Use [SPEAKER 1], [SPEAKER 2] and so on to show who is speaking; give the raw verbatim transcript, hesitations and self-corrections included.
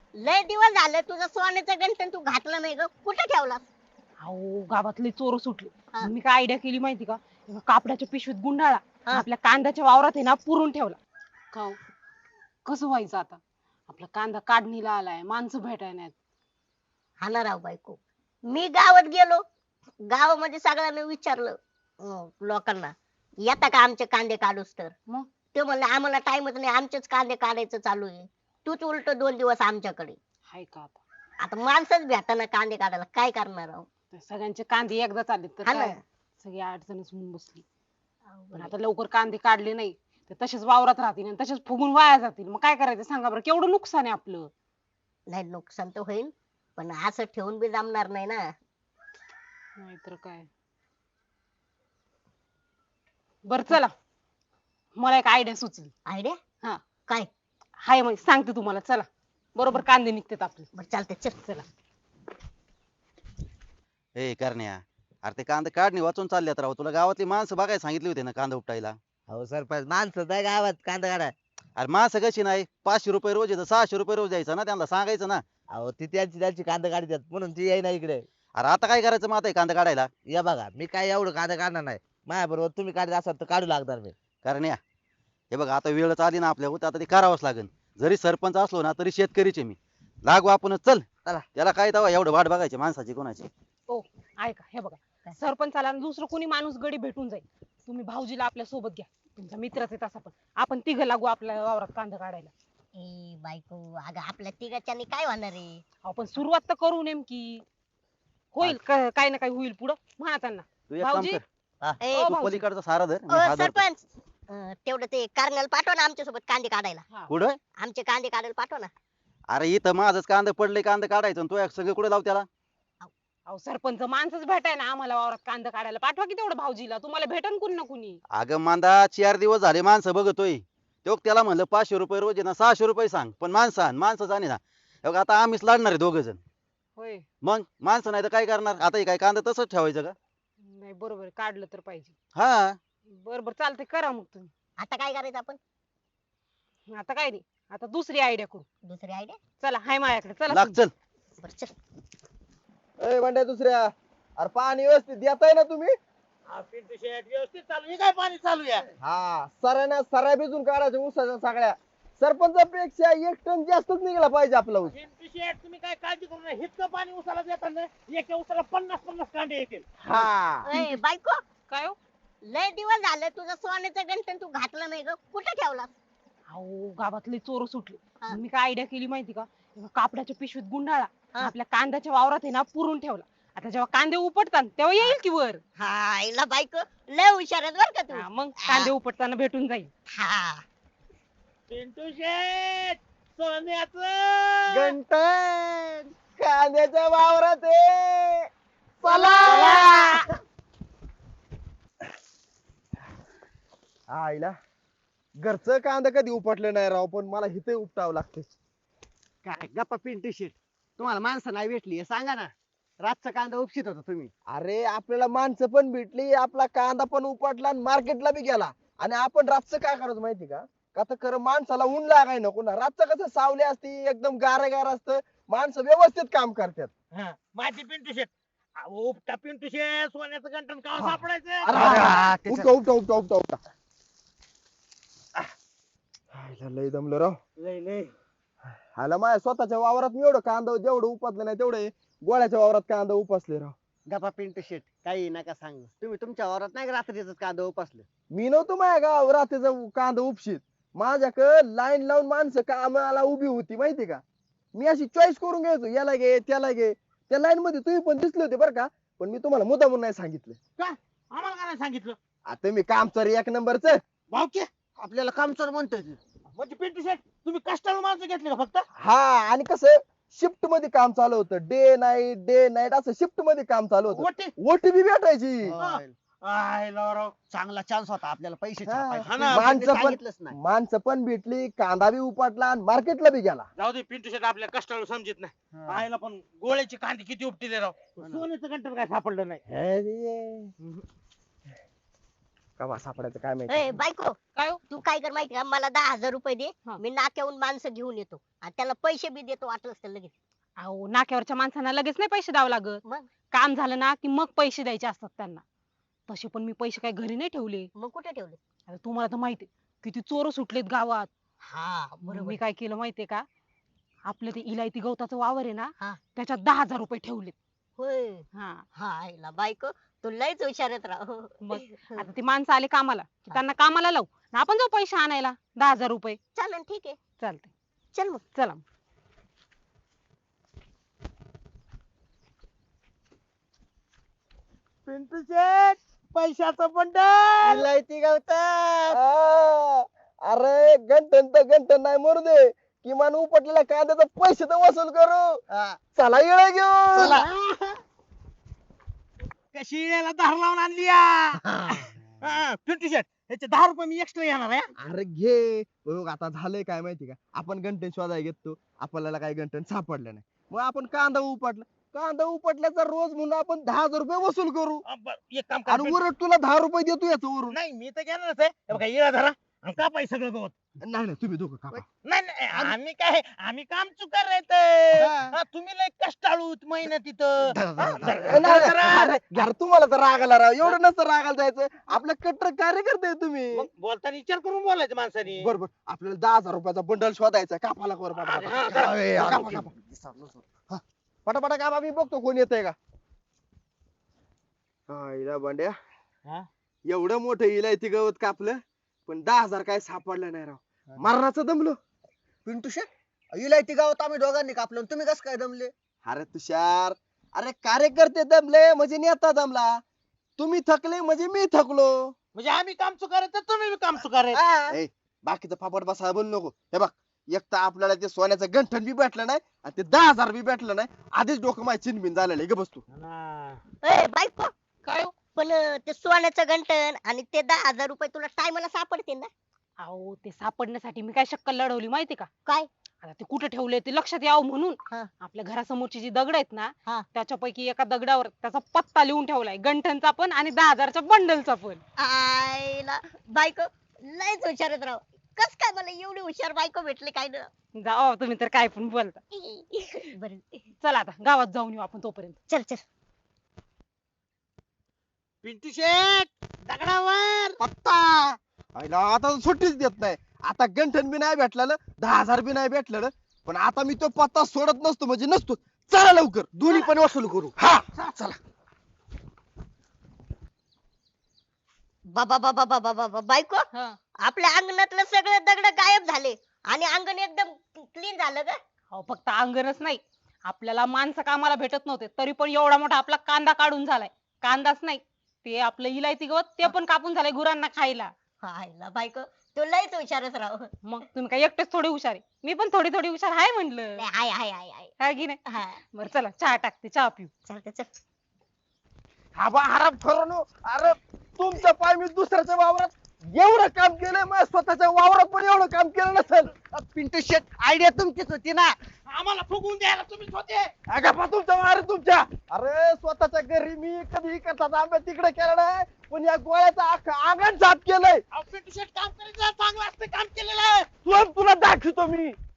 [SPEAKER 1] लय दिवस झाले तुझं सोन्याचं गंठण तू घातलं नाही ग, कुठे ठेवलास?
[SPEAKER 2] अहो गावातले चोर सुटले.
[SPEAKER 1] हा.
[SPEAKER 2] मी काय आयडिया केली माहिती का, एका कापडाच्या पिशवीत गुंडाळा आणि
[SPEAKER 1] हा.
[SPEAKER 2] आपल्या कांद्याच्या वावरात आहे ना पुरून ठेवला. का हो? कसं व्हायचं आता? आपला कांदा काढणीला आलाय, माणसं भेटाय नाहीत.
[SPEAKER 1] हा ना राव बायको, मी गावात गेलो, गावामध्ये सगळ्यांना विचारलं, अं, लोकांना येता का आमचे कांदे काढूस तर.
[SPEAKER 2] मग
[SPEAKER 1] ते म्हणले आम्हाला टाइमच नाही, आमचेच कांदे काढायचं चालू आहे. तूच उलट दोन दिवस आमच्याकडे.
[SPEAKER 2] हाय का आता?
[SPEAKER 1] आता माणसंच भेटाना कांदे काढायला, काय करणार आहो?
[SPEAKER 2] त्या सगळ्यांचे कांदे एकदा चालले तर
[SPEAKER 1] हा ना.
[SPEAKER 2] काय सगळी अडचणच होऊन बसली. पण
[SPEAKER 1] अवघड
[SPEAKER 2] आता लवकर कांदे काढले नाही तर तसेच वावरात राहतील आणि तसेच फुगून वाया जातील. मग काय करायचं सांगा बरं, केवढं नुकसान आहे आपलं.
[SPEAKER 1] आहे. नाही नुकसान तर होईल, पण असं ठेवून बी जमणार नाही ना.
[SPEAKER 2] नाहीतर काय. बर चला, मला एक आयडिया सुचली.
[SPEAKER 1] आयडिया
[SPEAKER 2] हा
[SPEAKER 1] काय?
[SPEAKER 2] हाय मग सांगते तुम्हाला. चला, बरोबर कांदे निघतात आपले.
[SPEAKER 1] बरं चालतंय, चल.
[SPEAKER 2] चला.
[SPEAKER 3] ए करण्या, अरे ते कांदा काढणी वाचून चालल्यात राव. तुला गावातली माणसं बघायला सांगितली होती ना कांदा उपटायला.
[SPEAKER 4] हो सरपंच, माणसं नाही गावात कांदा काढा.
[SPEAKER 3] अरे माणसं कशी नाही, पाचशे रुपये रोज येतं, सहाशे रुपये रोज द्यायचं ना, त्यांना सांगायचं ना.
[SPEAKER 4] अहो ती त्यांची त्यांची कांदा काढतात म्हणून ती येईना इकडे.
[SPEAKER 3] अरे आता काय करायचं मग आता हे कांदा काढायला?
[SPEAKER 4] या बघा, मी काय एवढं कांदा काढणार नाही. माझ्या बरोबर तुम्ही काढत असाल तर काढू लागणार मी.
[SPEAKER 3] करण्या, हे बघ आता वेळच आली ना आपल्यावर, तर आता ते करावंच लागेल. जरी सरपंच असलो ना तरी शेतकरीचे मी. लागू आपणच, चल.
[SPEAKER 4] चला.
[SPEAKER 3] त्याला काय तवा एवढं वाट बघायची माणसाची कोणाची.
[SPEAKER 2] ओ ऐका, हे बघा, सरपंचाला आणि दुसरं कोणी माणूस गडी भेटून जाईल. तुम्ही भाऊजीला आपल्या सोबत घ्या, तुमचा मित्रच आहे तसा पण. आपण तिघ लागू आपल्या वावरात कांदा काढायला.
[SPEAKER 1] ए बायको, अगं आपल्या तिघाच्यानी काय होणार आहे?
[SPEAKER 2] आपण सुरुवात तर करू नेमकी. होईल क- काही ना काही होईल पुढं, म्हणा त्यांना.
[SPEAKER 3] तू एक काम
[SPEAKER 2] भाऊजी.
[SPEAKER 3] कर,
[SPEAKER 1] ए,
[SPEAKER 2] ओ
[SPEAKER 3] तू
[SPEAKER 2] भाऊजी.
[SPEAKER 3] पलीकडचा सारा धर, मी
[SPEAKER 1] अ,
[SPEAKER 3] हा धरतो.
[SPEAKER 1] सरपंच, अं, तेवढं ते कर्नल पाठवा ना आमच्यासोबत कांदे काढायला.
[SPEAKER 2] हा.
[SPEAKER 3] कुठं?
[SPEAKER 1] आमचे कांदे काढायला पाठवा ना.
[SPEAKER 3] अरे इथं माझंच कांदा पडले, कांदा काढायचं आणि तू सगळे कुठे लाव त्याला.
[SPEAKER 2] अहो सरपंच, माणसंच भेटाय ना आम्हाला वावरात कांदा काढायला. पाठवा की तेवढं भाऊजीला, तुम्हाला भेटन कुणी ना कुणी.
[SPEAKER 3] अगं मांदा, चार दिवस झाले माणसं बघतोय. तो त्याला म्हणलं पाचशे रुपये रोज आहे ना, सहाशे रुपये सांग, पण माणसं आण, माणसं जाणे ना. हे बघ, आता आम्हीच लढणार आहे दोघ जण.
[SPEAKER 2] होय.
[SPEAKER 3] मग माणसं नाही तर काय करणार? आता हे काय कांदा तसंच ठेवायचं का?
[SPEAKER 2] नाही बरोबर आहे, काढलं तर पाहिजे.
[SPEAKER 3] हा.
[SPEAKER 2] बरोबर चालतंय, करा मग तुम्ही.
[SPEAKER 1] आता काय करायचं आपण?
[SPEAKER 2] आता काय नाही, आता दुसरी आयडिया करू.
[SPEAKER 1] दुसरी आयडिया.
[SPEAKER 2] चला, हाय माझ्याकडे, चला
[SPEAKER 3] लाग
[SPEAKER 2] तुम्ही.
[SPEAKER 3] चल.
[SPEAKER 1] बरं चल.
[SPEAKER 5] ए बंड्या दुसऱ्या, अरे पाणी व्यवस्थित देताय ना तुम्ही?
[SPEAKER 6] पिंटू शेट व्यवस्थित चालू आहे काय? पाणी चालू आहे.
[SPEAKER 5] हा, सऱ्याना सऱ्या भिजून काढायच्या ऊसाच्या सगळ्या. सरपंचापेक्षा एक टन जास्तच निघाला पाहिजे आपला ऊस.
[SPEAKER 6] पिंटू शेट तुम्ही काय काळजी करू नका. इतकं पाणी उसाला देताना एका उसाला पन्नास पन्नास कांडे येतील.
[SPEAKER 5] हा.
[SPEAKER 1] ए बायको,
[SPEAKER 2] काय हो?
[SPEAKER 1] लय दिवस झाले तुझं सोन्याचं गंठण तू घातलं नाही ग, कुठे ठेवलास?
[SPEAKER 2] अहो गावातले चोर सुटले.
[SPEAKER 1] हा.
[SPEAKER 2] मी काय आयडिया केली माहिती का, एका कापडाच्या पिशवीत गुंडाळा आणि
[SPEAKER 1] हा.
[SPEAKER 2] आपल्या कांद्याच्या वावरात आहे ना पुरून ठेवला. आता जेव्हा कांदे उपटतात तेव्हा येईल की वर.
[SPEAKER 1] हा इला बायको, लय हुशार आहेस बर का तू.
[SPEAKER 2] हा, मग कांदे उपटताना भेटून जाईल.
[SPEAKER 1] हा.
[SPEAKER 6] पिंटू शेट सोन्याचं
[SPEAKER 5] गंटन कांद्याच्या वावरात आहे. चला. आईला घरचं कांदा कधी उपटलं नाही राव, पण मला इथे उपटावं लागते.
[SPEAKER 7] काय गप्पा पिंटू शेट, तुम्हाला माणसं नाही भेटली हे सांगा ना. रातचा कांदा उपशित होता तुम्ही.
[SPEAKER 5] अरे आपल्याला माणसं पण भेटली, आपला कांदा पण उपटला आणि मार्केटला बी गेला. आणि आपण रातचं काय करायचं माहिती का? का तर खरं माणसाला ऊन लागाय नको ना. रातचं कसं सावली असती, एकदम गारगार असतं, माणसं व्यवस्थित काम करतात.
[SPEAKER 6] हा, माझी पिंटू शेट. अहो, उपटा पिंटू शेट, सोन्याचं गंठण का
[SPEAKER 5] हा.
[SPEAKER 6] सापडायचं?
[SPEAKER 5] अरे,
[SPEAKER 7] हा,
[SPEAKER 5] अरे,
[SPEAKER 7] त्याच्यात-
[SPEAKER 5] उपटा उपटा उपटा उपटा उपटा. आईला लय दमलं राव.
[SPEAKER 6] लय लय.
[SPEAKER 5] आला माझ्या स्वतःच्या वावरात मी एवढं कांदा जेवढं उपसलं नाही तेवढे गोळ्याच्या वावरात कांदा उपसले राव.
[SPEAKER 7] गप्पा पिंटू शेट, काही नका सांगू. तुम्ही तुमच्या वावरात नाही का रात्रीच कांदा उपसलं?
[SPEAKER 5] मी नव्हतो माझ्या गाव रात्रीचा कांदा उपशीत. माझ्याकडे लाईन लावून माणसं कामाला उभी होती माहिती का. मी अशी चॉईस करून घ्यायचो, याला घे त्याला घे. त्या लाईन मध्ये तुम्ही पण दिसले होते बरं का, पण मी तुम्हाला मुद्दा म्हणून नाही सांगितलं.
[SPEAKER 6] आम्हाला काय नाही सांगितलं?
[SPEAKER 5] आता मी काम चालू एक नंबरच.
[SPEAKER 6] भाऊकी,
[SPEAKER 7] आपल्याला कामचोर म्हणतोय ते.
[SPEAKER 6] म्हणजे पिंटू शेट तुम्ही कष्टाला माणसं घेतली का फक्त?
[SPEAKER 5] हा, आणि कसं शिफ्ट मध्ये काम चालू होतं, डे नाईट डे नाईट असं शिफ्ट मध्ये काम चालू होतं.
[SPEAKER 6] वटे.
[SPEAKER 5] ओटी बी भेटायची.
[SPEAKER 6] हा. आय लावराव.
[SPEAKER 7] चांगला चान्स होता आपल्याला पैसे
[SPEAKER 5] हा.
[SPEAKER 7] छापायचा.
[SPEAKER 6] हा ना,
[SPEAKER 7] पण
[SPEAKER 5] माणसं
[SPEAKER 7] ते
[SPEAKER 5] पण-
[SPEAKER 7] सांगितलंच नाही.
[SPEAKER 5] माणसं पण भेटली, कांदा बी उपटला आणि मार्केटला बी गेला.
[SPEAKER 6] जाऊ दे पिंटू शेट, आपल्या कष्टाला समजित नाही. आयला पण गोळ्याची कांदी किती उपटी दे राव. सोन्याचं गंठण काय सापडलं नाही.
[SPEAKER 5] अरे, कवा सापडायचं काय
[SPEAKER 1] ए
[SPEAKER 5] माहिती
[SPEAKER 1] बायको
[SPEAKER 2] काय हो?
[SPEAKER 1] तू काय कर माहिती का मला दहा हजार रुपये दे
[SPEAKER 2] हा.
[SPEAKER 1] मी नाक्याहून माणसं घेऊन येतो आणि त्याला पैसे बी देतो वाटलंच तर लगेच.
[SPEAKER 2] अहो नाक्यावरच्या माणसांना लगेच नाही पैसे द्यावं लागत.
[SPEAKER 1] मग
[SPEAKER 2] काम झालं ना की मग पैसे द्यायचे असतात त्यांना. तसे पण मी पैसे काही घरी नाही ठेवले.
[SPEAKER 1] मग कुठे ठेवले?
[SPEAKER 2] आता तुम्हाला तर माहिती किती चोर सुटलेत गावात.
[SPEAKER 1] हा
[SPEAKER 2] मग
[SPEAKER 1] बरोबर.
[SPEAKER 2] मी काय केलं माहितीये का, आपलं ते इलायती गवताचं वावर आहे ना
[SPEAKER 1] हा.
[SPEAKER 2] त्याच्यात दहा हजार रुपये ठेवलेत.
[SPEAKER 1] होय
[SPEAKER 2] हा
[SPEAKER 1] हा आईला बायको तू लयच हुशारत राह.
[SPEAKER 2] मग आता ते माणसं आले कामाला की त्यांना कामाला लावू आणि आपण जाऊ पैसे आणायला दहा हजार रुपये.
[SPEAKER 1] चालन ठीक आहे
[SPEAKER 2] चालते
[SPEAKER 1] चल मग.
[SPEAKER 2] चला.
[SPEAKER 6] पिंटू शेट पैशाचं बंडल
[SPEAKER 5] इलायती गवतात आ, अरे गंठन तर गंठन नाही मरू दे किमान उपटलेल्या कांद्याचा पैसे तर वसूल करू चला येळ घेऊ
[SPEAKER 7] चला.
[SPEAKER 6] कशी याला धार लावून आणली या? हा, पिंटू शेट याचे दहा रुपये मी एक्स्ट्रा येणार आहे हा.
[SPEAKER 5] अरे घे बघ आता झालंय काय माहिती का आपण गंठन शोधायला घेतो आपल्याला काही गंठन सापडलं नाही मग आपण कांदा उपटला कांदा उपटल्याचा रोज म्हणून आपण दहा हजार रुपये वसूल करू
[SPEAKER 6] अ, बरं, एक काम करा
[SPEAKER 5] आणि
[SPEAKER 6] पिंटू-
[SPEAKER 5] उलट तुला दहा रुपये देतो याचं वरून
[SPEAKER 6] नाही मी तर घेणारच आहे हे बघा येळा धरा आणि कापाय सगळं गवत.
[SPEAKER 5] नाही नाही तुम्ही दोघं कापा
[SPEAKER 6] नाही नाही आम्ही काय आम्ही काम चुकार राहत
[SPEAKER 5] हा.
[SPEAKER 6] तुम्ही लय कष्टाळू मेहनत तिथं
[SPEAKER 5] धरा,
[SPEAKER 6] हा,
[SPEAKER 5] धरा,
[SPEAKER 6] धरा,
[SPEAKER 5] नाही,
[SPEAKER 6] धरा,
[SPEAKER 5] नाही,
[SPEAKER 6] धरा.
[SPEAKER 5] यार तुम्हाला तर राग आला राव एवढं नसतं रागाला जायचं आपलं कट्टर कार्यकर्ते आहे तुम्ही
[SPEAKER 6] मग बोलताना विचार करून बोलायचं माणसाने.
[SPEAKER 5] बरोबर आपल्याला दहा हजार रुपयाचा बंडल शोधायचा कापाला वर
[SPEAKER 6] अरे, हा, करा.
[SPEAKER 5] पटापटा कापा मी बघतो कोण येतंय का हा, इला बंड्या
[SPEAKER 6] हा?
[SPEAKER 5] एवढं मोठं इलायती गवत कापलं पण दहा हजार काय सापडलं नाही राव मरणाचं दमलो
[SPEAKER 7] पिंटू शेट इलायती गावात आम्ही दोघांनी कापलं तुम्ही कसं काय दमले?
[SPEAKER 5] अरे तुषार अरे कार्यकर्ते दमले म्हणजे नेता दमला तुम्ही थकले म्हणजे मी थकलो
[SPEAKER 6] म्हणजे आम्ही काम चुकार तर तुम्ही बी काम चुकार
[SPEAKER 5] हा. ए, बाकीचं फापट बसायला बोलू नको हे बघ एक तर आपल्याला ते सोन्याचं गंठन बी भेटलं नाही आणि ते दहा हजार बी भेटलं नाही आधीच डोकं माझी चिनबिन झालेलं आहे ग बसतो
[SPEAKER 1] ए बायको
[SPEAKER 2] काय हो?
[SPEAKER 1] पण अं, ते सोन्याचं गंटन आणि ते दहा हजार रुपये तुला टायमाला सापडतील ना?
[SPEAKER 2] अहो ते सापडण्यासाठी मी काय शक्कल लढवली माहिती का.
[SPEAKER 1] काय?
[SPEAKER 2] आता ते कुठे ठेवले ते लक्षात यावं म्हणून
[SPEAKER 1] हा.
[SPEAKER 2] आपल्या घरासमोरची जी दगड आहेत ना
[SPEAKER 1] हा.
[SPEAKER 2] त्याच्यापैकी एका दगडावर त्याचा पत्ता लिहून ठेवलाय गंठनचा पण आणि दहा हजारच्या बंडलचा पण.
[SPEAKER 1] आईला बायको लयच हुशारत राव. कस काय मला एवढी हुशार बायको भेटली काय ना?
[SPEAKER 2] जाओ तुम्ही तर काय पण बोलता.
[SPEAKER 1] बर
[SPEAKER 2] चला आता गावात जाऊन येऊ आपण तोपर्यंत.
[SPEAKER 1] चल चल.
[SPEAKER 6] पिंटू शेट दगडावर
[SPEAKER 5] पत्ता आईला आता तर सुट्टीच देत नाही आता गंठन बी नाही भेटलं ना दहा हजार बी नाही भेटलं ना पण आता मी तो पत्ता सोडत नसतो म्हणजे नसतो चला लवकर दोन्ही पण वसूल करू हा चला
[SPEAKER 1] बाबा बाबा बाबा बाबा बायको
[SPEAKER 2] हा.
[SPEAKER 1] आपल्या अंगणातलं सगळं दगड गायब झाले आणि अंगण एकदम क्लीन झालं का?
[SPEAKER 2] अहो फक्त अंगणच नाही आपल्याला माणसं कामाला भेटत नव्हते तरी पण एवढा मोठा आपला कांदा काढून झालाय. कांदाच नाही ते आपलं इलायती गवत ते पण कापून झालंय गुरांना खायला.
[SPEAKER 1] आईला बायको तू लयच हुशारच राव.
[SPEAKER 2] मग तुम्ही काय एकटेच थोडी हुशार आहे मी पण थोडी थोडी हुशार आहे म्हणलं.
[SPEAKER 1] नाही, हाय हाय हाय हाय
[SPEAKER 2] काय की नाही.
[SPEAKER 1] हा
[SPEAKER 2] बरं चला चहा टाकते चहा पिऊ.
[SPEAKER 1] चालतं चल.
[SPEAKER 5] हा बा हराम ठरवणं अरे तुमच्या पाय मी दुसऱ्याच्या वावरात एवढं काम केलंय मग स्वतःच्या वावरात पण एवढं काम केलं नसेल
[SPEAKER 7] पिंटू शेट आयडिया तुमचीच होती ना.
[SPEAKER 6] आम्हाला फुगवून द्यायला तुम्हीच होते.
[SPEAKER 5] अगं पा तुमच्या वावर तुमच्या अरे स्वतःच्या घरी मी कधी करतात आंब्या तिकडे केलं नाही पण या गोळ्याचं अख्खं अंगण साफ केलंय
[SPEAKER 6] अहो, पिंटू शेट काम करायचं चांगलं असतं काम केलेलं.
[SPEAKER 5] तुला तुला दाखवतो मी